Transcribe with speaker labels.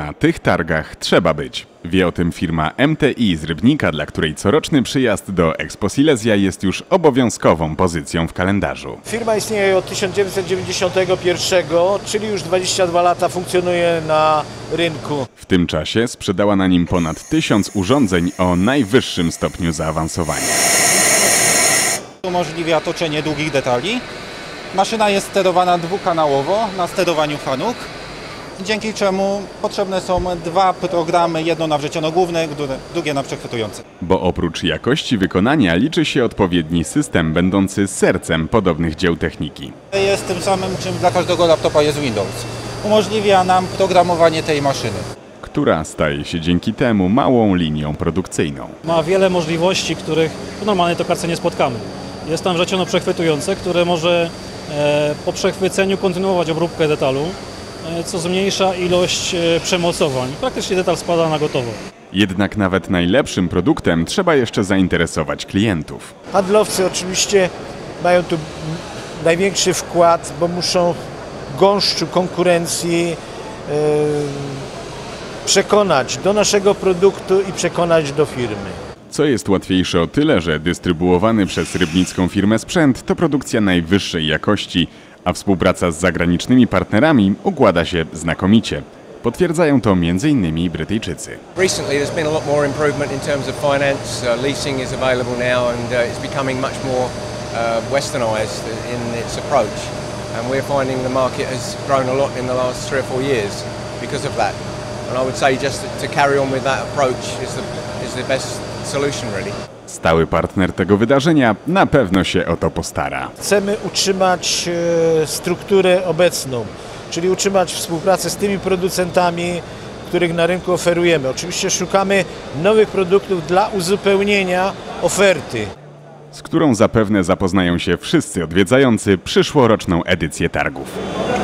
Speaker 1: Na tych targach trzeba być. Wie o tym firma MTI z Rybnika, dla której coroczny przyjazd do Expo Silesia jest już obowiązkową pozycją w kalendarzu.
Speaker 2: Firma istnieje od 1991, czyli już 22 lata funkcjonuje na rynku.
Speaker 1: W tym czasie sprzedała na nim ponad 1000 urządzeń o najwyższym stopniu zaawansowania.
Speaker 3: Umożliwia toczenie długich detali. Maszyna jest sterowana dwukanałowo na sterowaniu fanuk, dzięki czemu potrzebne są dwa programy, jedno na wrzeciono główne, drugie na przechwytujące.
Speaker 1: Bo oprócz jakości wykonania liczy się odpowiedni system będący sercem podobnych dzieł techniki.
Speaker 3: Jest tym samym, czym dla każdego laptopa jest Windows. Umożliwia nam programowanie tej maszyny,
Speaker 1: Która staje się dzięki temu małą linią produkcyjną.
Speaker 4: Ma wiele możliwości, których w normalnej tokarce nie spotkamy. Jest tam wrzeciono przechwytujące, które może po przechwyceniu kontynuować obróbkę detalu, co zmniejsza ilość przemocowań. Praktycznie detal spada na gotowo.
Speaker 1: Jednak nawet najlepszym produktem trzeba jeszcze zainteresować klientów.
Speaker 2: Handlowcy oczywiście mają tu największy wkład, bo muszą gąszczu konkurencji przekonać do naszego produktu i przekonać do firmy.
Speaker 1: Co jest łatwiejsze o tyle, że dystrybuowany przez rybnicką firmę sprzęt to produkcja najwyższej jakości, a współpraca z zagranicznymi partnerami układa się znakomicie. Potwierdzają to m.in. Brytyjczycy.
Speaker 5: Recently there's been a lot more improvement in terms of finance. Leasing is available now and it's becoming much more westernized in its approach. And we're finding the market has grown a lot in the last 3 or 4 years because of that. And I would say just to carry on with that approach is the best solution really.
Speaker 1: Stały partner tego wydarzenia na pewno się o to postara.
Speaker 2: Chcemy utrzymać strukturę obecną, czyli utrzymać współpracę z tymi producentami, których na rynku oferujemy. Oczywiście szukamy nowych produktów dla uzupełnienia oferty,
Speaker 1: Z którą zapewne zapoznają się wszyscy odwiedzający przyszłoroczną edycję targów.